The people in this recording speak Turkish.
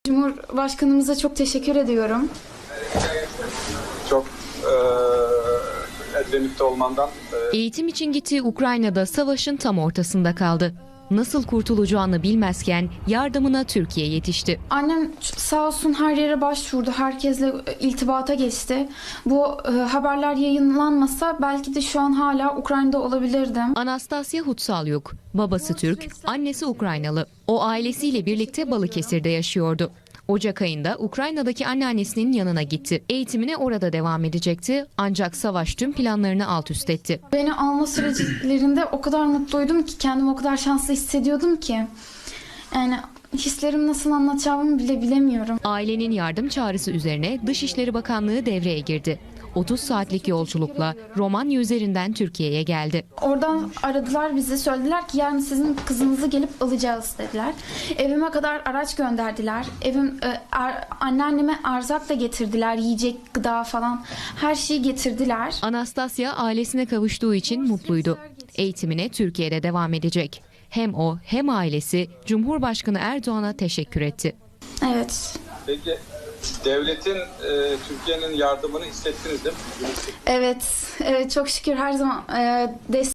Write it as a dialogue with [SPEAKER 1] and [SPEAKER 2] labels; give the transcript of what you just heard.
[SPEAKER 1] Cumhurbaşkanımıza çok teşekkür ediyorum.
[SPEAKER 2] Çok Edremit'te olmandan.
[SPEAKER 3] Eğitim için gittiği Ukrayna'da savaşın tam ortasında kaldı. Nasıl kurtulacağını bilmezken yardımına Türkiye yetişti.
[SPEAKER 1] Annem sağ olsun her yere başvurdu. Herkesle iltibata geçti. Bu haberler yayınlanmasa belki de şu an hala Ukrayna'da olabilirdim.
[SPEAKER 3] Anastasya Hutsalyuk, babası Türk, annesi Ukraynalı. O ailesiyle birlikte Balıkesir'de yaşıyordu. Ocak ayında Ukrayna'daki anneannesinin yanına gitti. Eğitimine orada devam edecekti ancak savaş tüm planlarını alt üst etti.
[SPEAKER 1] Beni alma süreçlerinde o kadar mutluydum ki, kendimi o kadar şanslı hissediyordum ki. Yani hislerimi nasıl anlatacağımı bile bilemiyorum.
[SPEAKER 3] Ailenin yardım çağrısı üzerine Dışişleri Bakanlığı devreye girdi. 30 saatlik yolculukla Romanya üzerinden Türkiye'ye geldi.
[SPEAKER 1] Oradan aradılar bizi, söylediler ki yarın sizin kızınızı gelip alacağız dediler. Evime kadar araç gönderdiler. Anneanneme erzak da getirdiler, yiyecek, gıda falan her şeyi getirdiler.
[SPEAKER 3] Anastasya ailesine kavuştuğu için mutluydu. Eğitimine Türkiye'de devam edecek. Hem o hem ailesi Cumhurbaşkanı Erdoğan'a teşekkür etti.
[SPEAKER 1] Evet.
[SPEAKER 2] Peki devletin, Türkiye'nin yardımını hissettiniz değil mi?
[SPEAKER 1] Evet, çok şükür her zaman destek